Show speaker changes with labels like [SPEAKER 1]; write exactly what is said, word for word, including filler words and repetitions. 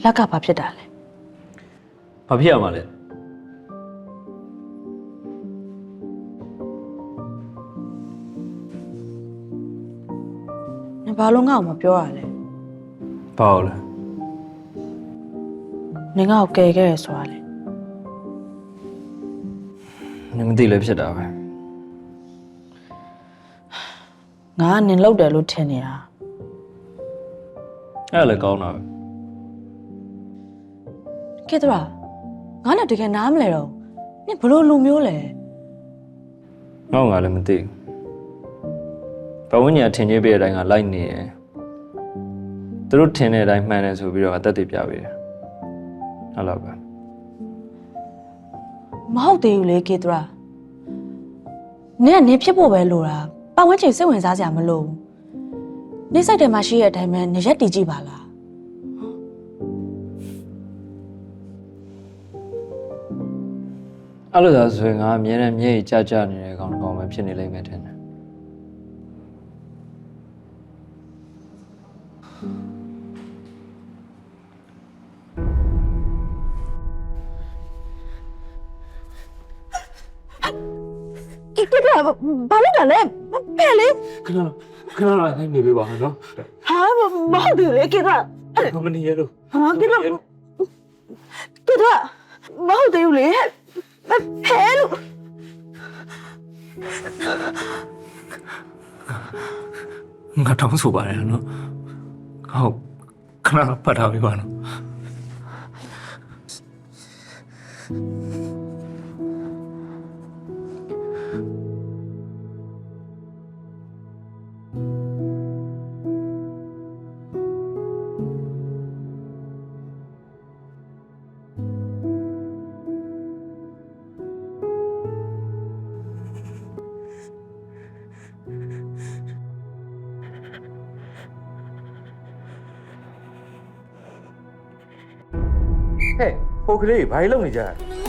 [SPEAKER 1] လက်ကဘာဖြစ်တာလဲ
[SPEAKER 2] ဘာဖြစ်ရမှာလဲ
[SPEAKER 1] နင်ဘာလို့ငါ့ကိုမပြောရလဲ
[SPEAKER 2] ဘာလို့လဲ
[SPEAKER 1] နင်ငါ့ကိုကယ်ခဲ့ရဆိုတာလေ
[SPEAKER 2] နင်မသိလဲဖြစ်တာပဲ
[SPEAKER 1] ငါကနင်လောက်တယ်လို့ထင်နေတာ
[SPEAKER 2] အဲ့ဒါလည်းကောင်းတာပဲ
[SPEAKER 1] ကေတရာငါနဲ့တကယ်နားမလဲတော့နင်ဘလို့လူမျိုးလဲ
[SPEAKER 2] ငေါ့ငါလည်းမသိဘူးဘဝညထင်ကြီးပြတဲ့အတိုင်းကလိုက်နေရယ်သူတို့ထင်တဲ့အတိုင်းမှန်တယ်ဆိုပြီးတော့အသက်တွေပြပေးတယ်ဟုတ်လားပဲ
[SPEAKER 1] မဟုတ်သေးဘူးလေကေတရာနင်ကနင်ဖြစ်ဖို့ပဲလိုတာပတ်ဝန်းကျင်စိတ်ဝင်စားစရာမလိုဘူးနင်စိတ်ထဲမှာရှိတဲ့အတိုင်းပဲနင်ရက်တည်ကြည့်ပါလား
[SPEAKER 2] အဲ့လိုသာဆိုရင်ငါအမြဲတမ်းမျက်ရည်ကျကျနေတဲ့ကောင်တစ်ကောင်ပဲဖြစ်နေလိမ့်မယ်ထင်တယ်
[SPEAKER 1] ကေတရာဘာလို့လဲဖဲလေ
[SPEAKER 3] ခဏခဏလိုက်နေပေးပါနော်
[SPEAKER 1] ဟာမဟုတ်သေးဘူးလေကေတရာ
[SPEAKER 3] မနေရလို့
[SPEAKER 1] ဟာကေတရာကေတရာမဟုတ်သေးဘူးလေဖဲလို့
[SPEAKER 3] ငါတောင်းဆိုပါတယ်နော်ဟုတ်ခဏဖတ်ထားပေးပါနော်
[SPEAKER 4] ဟဲ့ဟိုကလေးဘာလို့လုပ်နေကြလဲ